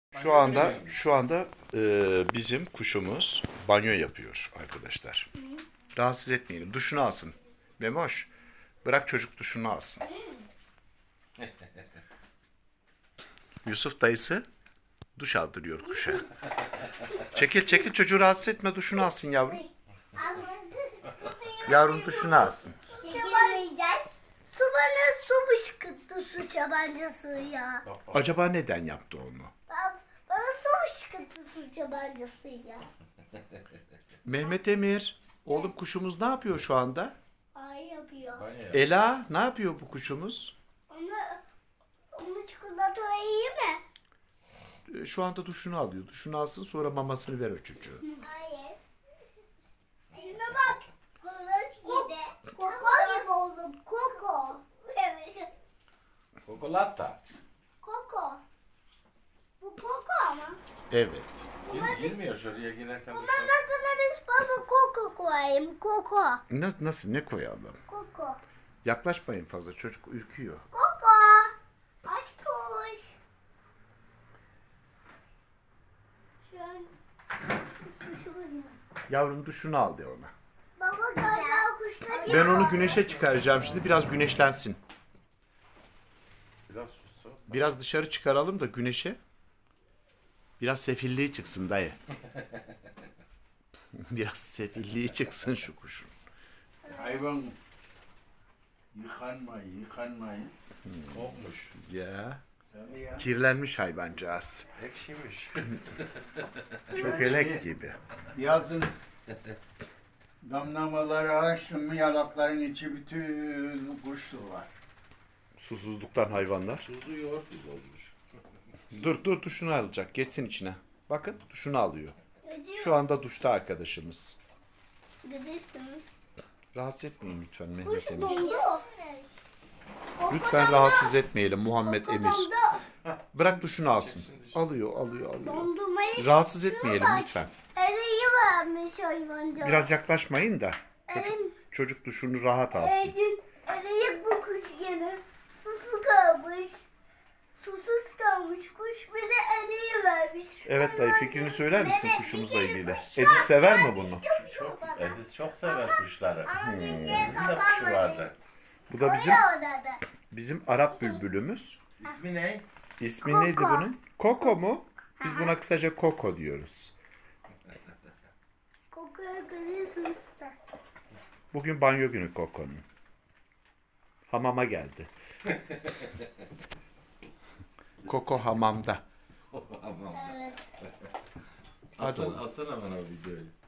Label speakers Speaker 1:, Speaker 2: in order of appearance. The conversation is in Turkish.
Speaker 1: Şu anda bizim kuşumuz banyo yapıyor arkadaşlar. Rahatsız etmeyelim. Duşunu alsın. Memoş, bırak çocuk duşunu alsın. Yusuf dayısı duş aldırıyor kuşa. Çekil çocuğu rahatsız etme, duşunu alsın yavrum. Yavrum duşunu alsın.
Speaker 2: Çekilmeyeceğiz. Su bana su fışkırttı, su çabancası ya.
Speaker 1: Acaba neden yaptı onu?
Speaker 2: Bana su fışkırttı, su çabancası ya.
Speaker 1: Mehmet Emir, oğlum kuşumuz ne yapıyor şu anda?
Speaker 2: Ay yapıyor.
Speaker 1: Ela, ne yapıyor bu kuşumuz?
Speaker 2: Onu çikolata iyi mi?
Speaker 1: Şu anda duşunu alıyor. Duşunu alsın, sonra mamasını ver o çocuğa.
Speaker 2: Hayır. Şuna bak. Horoz gibi. Koko gibi oldum. Koko.
Speaker 3: Kokolata.
Speaker 2: Koko. Bu koko ama.
Speaker 1: Evet.
Speaker 3: Girmiyor şuraya girerken.
Speaker 2: Bunun adına biz baba koko koyayım. Koko.
Speaker 1: Nasıl, ne koyalım?
Speaker 2: Koko.
Speaker 1: Yaklaşmayın fazla, çocuk ürküyor.
Speaker 2: Koko. Aşk kuş. Şu an kuşum.
Speaker 1: Yavrum duşunu al de ona.
Speaker 2: Baba galiba kuşlar
Speaker 1: Ben onu güneşe çıkaracağım şimdi, biraz güneşlensin.
Speaker 3: Biraz sussun.
Speaker 1: Biraz dışarı çıkaralım da güneşe. Biraz sefilliği çıksın dayı. Biraz sefilliği çıksın şu kuşun.
Speaker 4: Hayvan yıkanmayı.
Speaker 3: Kokmuş.
Speaker 1: Ya.
Speaker 4: Tabii ya.
Speaker 1: Kirlenmiş hayvancağız.
Speaker 3: Ekşimiş.
Speaker 1: Çökelek gibi.
Speaker 4: Yazın damlamaları açtın mı yalakların içi bütün kuşlu var.
Speaker 1: Susuzluktan hayvanlar.
Speaker 3: Tuzlu yoğurt gibi olmuş.
Speaker 1: Dur duşunu alacak. Geçsin içine. Bakın duşunu alıyor. Şu anda duşta arkadaşımız.
Speaker 2: Gidiyorsunuz.
Speaker 1: Rahatsız etmeyin lütfen Mehmet
Speaker 2: Kuş
Speaker 1: Emir.
Speaker 2: dondu.
Speaker 1: Lütfen rahatsız etmeyelim Muhammed Emir.
Speaker 2: Dondu.
Speaker 1: Bırak duşunu alsın. Alıyor.
Speaker 2: Dondurmayı
Speaker 1: Rahatsız etmeyelim lütfen.
Speaker 2: eriyi vermiş hayvancağız.
Speaker 1: Biraz yaklaşmayın da.
Speaker 2: Elim,
Speaker 1: Çocuk duşunu rahat alsın.
Speaker 2: eriyi bu kuş gene. Susuz kalmış. Susuz kalmış kuş bir de eriyi vermiş.
Speaker 1: Evet dayı, fikrini söyler misin kuşumuzla ilgili? Edis sever mi bunu?
Speaker 3: Edis çok sever kuşları.
Speaker 2: Ama
Speaker 3: Bizim de kuşu vardı.
Speaker 1: Bu da bizim Arap bülbülümüz.
Speaker 3: İsmi ne?
Speaker 1: İsmi
Speaker 2: Koko.
Speaker 1: neydi bunun? Koko mu? Biz buna kısaca Koko diyoruz.
Speaker 2: Kokuyor kızıyorsunuz da.
Speaker 1: Bugün banyo günü Koko'nun. Hamama geldi. Koko hamamda.
Speaker 3: Aman.
Speaker 2: Evet.
Speaker 1: Hadi oğlum.
Speaker 3: Atsana bana o videoyu.